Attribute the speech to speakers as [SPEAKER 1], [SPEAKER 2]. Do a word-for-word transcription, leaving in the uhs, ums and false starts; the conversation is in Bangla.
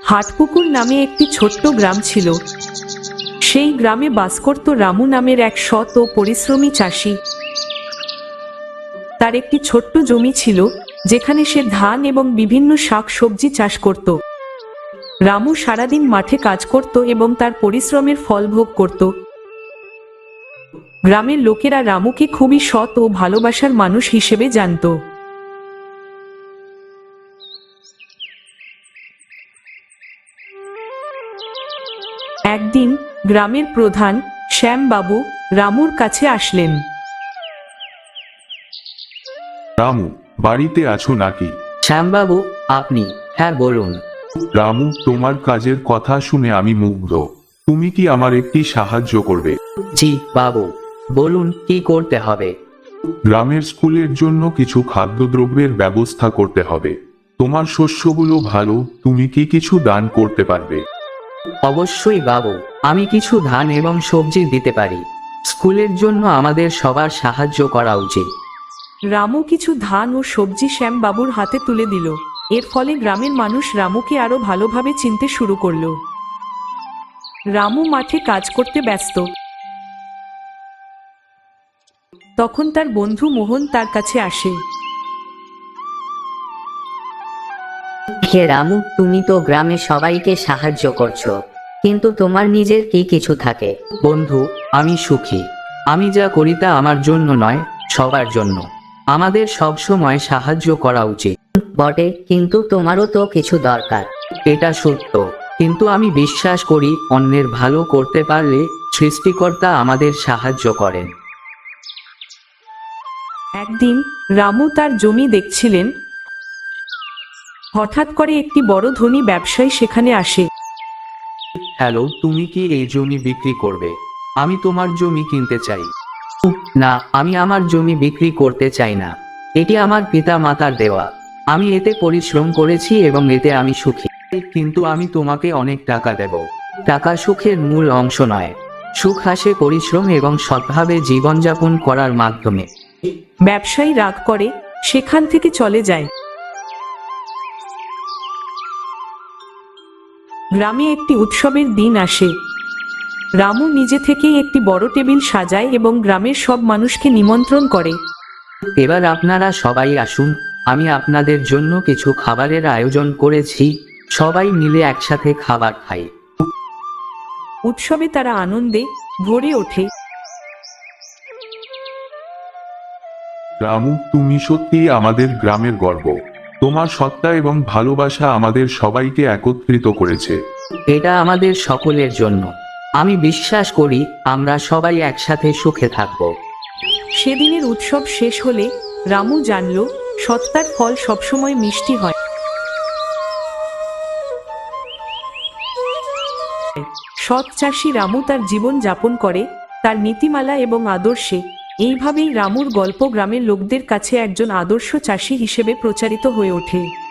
[SPEAKER 1] হাটপুকুর নামে একটি ছোট্ট গ্রাম ছিল। সেই গ্রামে বাস করত রামু নামের এক সৎ ও পরিশ্রমী চাষি। তার একটি ছোট্ট জমি ছিল, যেখানে সে ধান এবং বিভিন্ন শাক সবজি চাষ করত। রামু সারাদিন মাঠে কাজ করত এবং তার পরিশ্রমের ফল ভোগ করত। গ্রামের লোকেরা রামুকে খুবই সৎ ও ভালোবাসার মানুষ হিসেবে জানত। একদিন গ্রামের প্রধান শ্যামবাবু রামুর কাছে আসলেন।
[SPEAKER 2] রামু, বাড়িতে আছো নাকি?
[SPEAKER 3] শ্যামবাবু, আপনি? হ্যাঁ, বলুন।
[SPEAKER 2] রামু, তোমার কাজের কথা শুনে আমি মুগ্ধ। তুমি কি আমার একটি সাহায্য করবে?
[SPEAKER 3] জি বাবু, বলুন কি করতে হবে।
[SPEAKER 2] গ্রামের স্কুলের জন্য কিছু খাদ্যদ্রব্যের ব্যবস্থা করতে হবে। তোমার শস্যগুলো ভালো, তুমি কি কিছু দান করতে পারবে?
[SPEAKER 3] অবশ্যই বাবু, আমি কিছু ধান এবং সবজি দিতে পারি। স্কুলের জন্য আমাদের সবার সাহায্য করা উচিত।
[SPEAKER 1] রামু কিছু ধান ও সবজি শ্যামবাবুর হাতে তুলে দিল। এর ফলে গ্রামের মানুষ রামুকে আরো ভালোভাবে চিনতে শুরু করলো। রামু মাঠে কাজ করতে ব্যস্ত। তখন তার বন্ধু মোহন তার কাছে আসে।
[SPEAKER 4] হে রামু, তুমি তো গ্রামে সবাইকে সাহায্য করছো, কিন্তু তোমার নিজের কি কিছু থাকে?
[SPEAKER 3] বন্ধু, আমি সুখী। আমি যা করি তা আমার জন্য নয়, সবার জন্য। আমাদের সব সময় সাহায্য করা উচিত।
[SPEAKER 4] বটে, কিন্তু তোমারও তো কিছু দরকার।
[SPEAKER 3] এটা সত্য, কিন্তু আমি বিশ্বাস করি অন্যের ভালো করতে পারলে সৃষ্টিকর্তা আমাদের সাহায্য করেন।
[SPEAKER 1] একদিন রামু তার জমি দেখছিলেন। হঠাৎ করে একটি বড় ধনী ব্যবসায়ী সেখানে আসে।
[SPEAKER 3] হ্যালো, তুমি কি এই জমি বিক্রি করবে? আমি তোমার জমি কিনতে চাই। না, আমি আমার জমি বিক্রি করতে চাই না। এটি আমার পিতা মাতার দেওয়া। আমি এতে পরিশ্রম করেছি এবং এতে আমি সুখী। কিন্তু আমি তোমাকে অনেক টাকা দেব। টাকা সুখের মূল অংশ নয়। সুখ আসে পরিশ্রম এবং সৎভাবে জীবনযাপন করার মাধ্যমে।
[SPEAKER 1] ব্যবসায়ী রাগ করে সেখান থেকে চলে যায়। গ্রামে একটি উৎসবের দিন আসে। রামু নিজে থেকেই একটি বড় টেবিল সাজায় এবং গ্রামের সব মানুষকে নিমন্ত্রণ করে।
[SPEAKER 3] এবার আপনারা সবাই আসুন, আমি আপনাদের জন্য কিছু খাবারের আয়োজন করেছি। সবাই মিলে একসাথে খাবার খাই।
[SPEAKER 1] উৎসবে তারা আনন্দে ভরে ওঠে।
[SPEAKER 2] রামু, তুমি সত্যিই আমাদের গ্রামের গর্ব। তোমার সত্তা এবং ভালোবাসা আমাদের সবাইকে একত্রিত করেছে।
[SPEAKER 3] এটা আমাদের সকলের জন্য। আমি বিশ্বাস করি আমরা সবাই একসাথে সুখে থাকব।
[SPEAKER 1] সেদিনের উৎসব শেষ হলে রামু জানল সত্তার ফল সবসময় মিষ্টি হয়। সৎ চাষী রামু তার জীবন যাপন করে তার নীতিমালা এবং আদর্শে। এইভাবেই রামুর গল্প গ্রামের লোকদের কাছে একজন আদর্শ চাষী হিসেবে প্রচারিত হয়ে ওঠে।